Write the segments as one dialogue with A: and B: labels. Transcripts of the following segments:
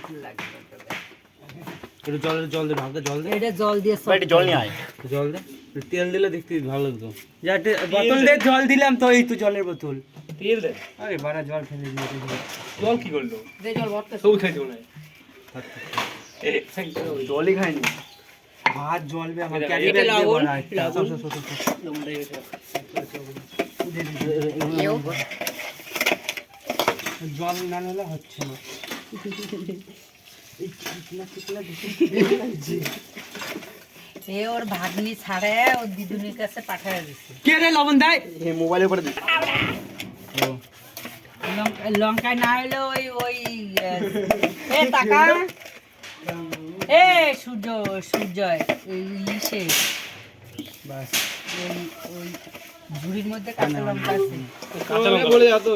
A: একটু জল দে ভাগটা জল দে।
B: এটা জল দিয়ে
C: ভাই একটু জল নিয়ে আয়।
A: জল দে, তেল দিলে দেখতে ভালো লাগতো।
D: বোতল দিয়ে জল দিলাম তো, এই তো জলের বোতল।
C: তেল দে।
D: আরে বাড়া জল ফেলে দিয়েছে।
C: জল কি করলো?
B: দে জল ভরতে।
C: সব খাই দিও না। জলই খাইনি।
D: ভাত জলবে আমার
C: এটা
D: ক্যারি ব্যাগ দিয়ে
B: লবণ,
D: ভরা একটা।
B: লবণ।
D: জল না হলে হচ্ছে না।
B: এ ওর ভাগ্নি ছাড়ে ওর দিদুনির কাছে পাঠায় দিছে।
D: কে রে লবণ দেয়?
C: এই মোবাইলের উপরে দিস।
B: লঙ্কায় না হলে ওই ওই এ টাকা এ সূর্যয় ইসে
D: বাস
B: ওই ওই ঝুড়ির মধ্যে কাঁচা লঙ্কা আছে।
C: কাঁচা লঙ্কা বলে যা তো।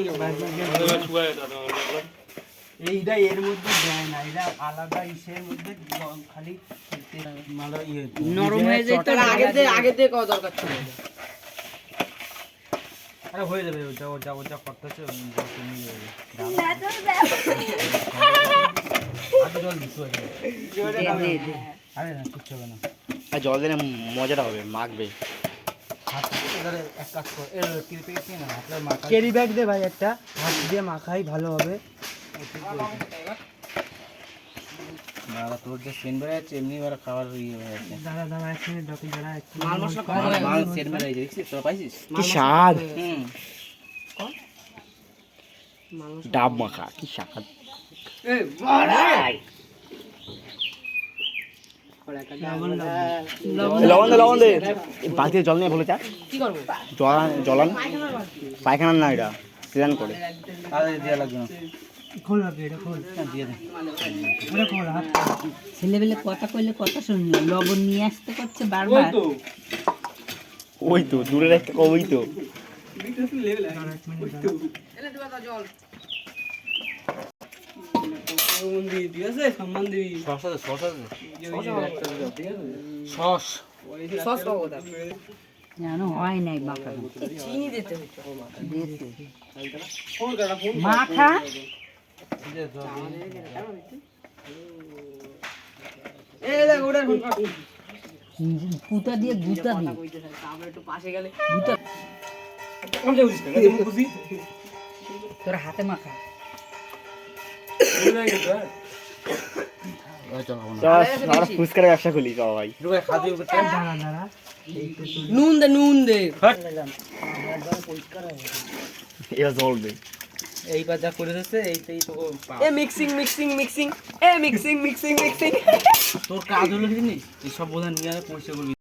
D: এইটা এর মধ্যে দেয় না, এটা আলাদা ইসের মধ্যে খালি মালা ইয়ে
B: নরম হয়ে যায় তো আগে দিয়ে কত দরকার ছিল।
D: আরে হয়ে যাবে, ওটা করতেছে জল দিতে হবে। আরে না কিচ্ছু হবে না।
C: আর জল দিলে মজাটা হবে, মাখবে।
D: হাত ধরে এক কাজ কর, এর কিরপি না আপনার মাখা ক্যারি ব্যাগ দে ভাই একটা, হাত দিয়ে মাখাই ভালো হবে। দাদা তোর যে সেন বেড়ে যাচ্ছে এমনি বেড়া খাবার ইয়ে হয়ে যাচ্ছে। দাদা এক মিনিট ডকি দাঁড়া,
B: মাল মশলা কম
D: মাল সেন বেড়ে যাচ্ছে, দেখছিস তো পাইছিস
C: কি স্বাদ।
B: মাল
C: ডাব মাখা কি স্বাদ। লবণ দে। এই বালতিতে জল নিয়ে বলে চা।
B: কি করবো?
C: জলান পায়খানা না, এটা স্নান করে।
D: আরে দেয়া লাগবে না, খোল না এটা খোল, দিয়ে দে ওটা খোল হাত।
B: ছেলেবেলে কথা কইলে কথা শুনল, লবণ নিয়ে আসতে করছে বারবার।
C: ওই তো দূরে একটা কবই তো।
D: সস
B: জানো হয় নাই মাখা, চিনি দিতে হতো। মাখা পুতা দিয়ে গুতা দিয়ে গুতা তোর হাতে মাখা।
C: আমরা ফুচকার ব্যবসা খুলি সবাই।
B: নুন দে
C: এটা চলবে।
D: এইবার যা করে দিচ্ছে এইটাই তো
B: মিক্সিং
D: তোর কাজ হলো কি জানিস, এইসব বোঝা নিয়ে পরিষ্কার করবি।